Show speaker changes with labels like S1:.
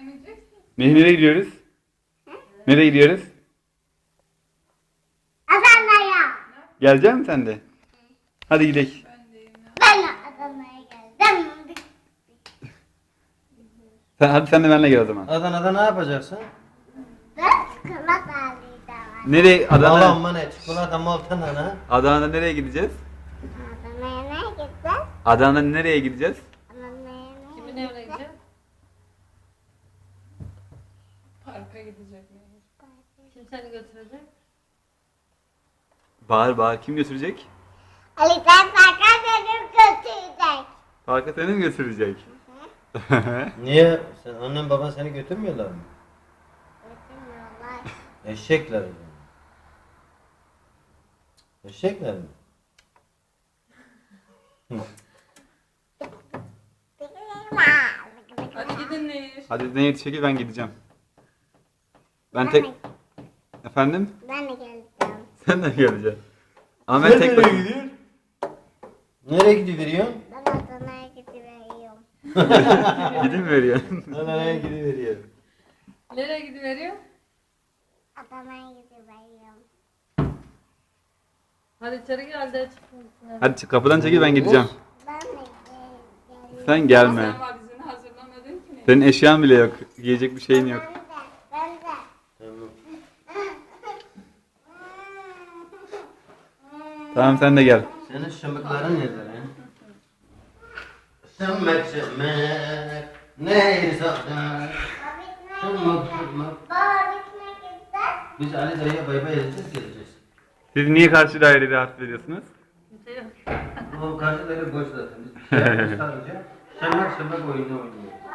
S1: Nereye gidiyoruz? Nereye gidiyoruz?
S2: Adana'ya.
S1: Gelecek misin sen de? Hadi gidelim.
S2: Ben Adana'ya geldim.
S1: Hadi sen de benimle gel o zaman.
S3: Adana'da ne yapacaksın?
S2: Ben çikolata alacağım.
S1: Nereye?
S3: Alan mı ne? Çikolata mı altın ana?
S1: Adana'da nereye gideceğiz?
S2: Adana'ya ne gideceğiz?
S1: Adana'da nereye gideceğiz?
S2: Adana'ya ne
S4: Kimin evine gideceğiz?
S5: Parka gidecek mi?
S4: Kim seni götürecek?
S1: Bağır bağır. Kim götürecek?
S2: Ali sen parka dedim götürecek.
S1: Parka seni mi götürecek?
S3: Niye? Sen annen baban seni götürmüyorlar mı?
S2: Götürmüyorlar.
S3: Eşekler o zaman. Eşekler mi?
S5: Hadi gidin Nehir.
S1: Hadi neye çekil ben gideceğim. Ben tek... Efendim?
S2: Ben de geleceğim.
S1: Sen de mi geleceksin? Ama ben tek başıma.
S3: gidiyorsun? Nereye gidiveriyorsun?
S2: Ben Adana'ya gidiyorum.
S1: Gidin mi veriyorsun?
S3: Nereye gidiveriyorsun?
S4: Nereye gidiveriyor?
S2: Adana'ya gidiyorum.
S4: Hadi içeri gel de çıkın.
S1: Hadi kapıdan çekil ben gideceğim.
S2: Ben de geleceğim.
S1: Sen gelme.
S5: Sen valizini hazırlamadın ki Nehir.
S1: Senin eşyan bile yok. Giyecek bir şeyin yok.
S2: Ben de.
S3: Tamam.
S1: Tamam sen de gel.
S3: Senin şımıkların nedir he? Şımık şımık neydi saklar? Şımık şımık.
S2: Baba bitmek ister.
S3: Biz Ali dayıya bay bay edeceğiz geleceğiz.
S1: Siz niye karşı dairede rahatsız ediyorsunuz?
S4: Kimse yok.
S3: O karşı daire boş zaten. Biz bir şey yapmış sadece. Şımık şımık oyunu oynuyor.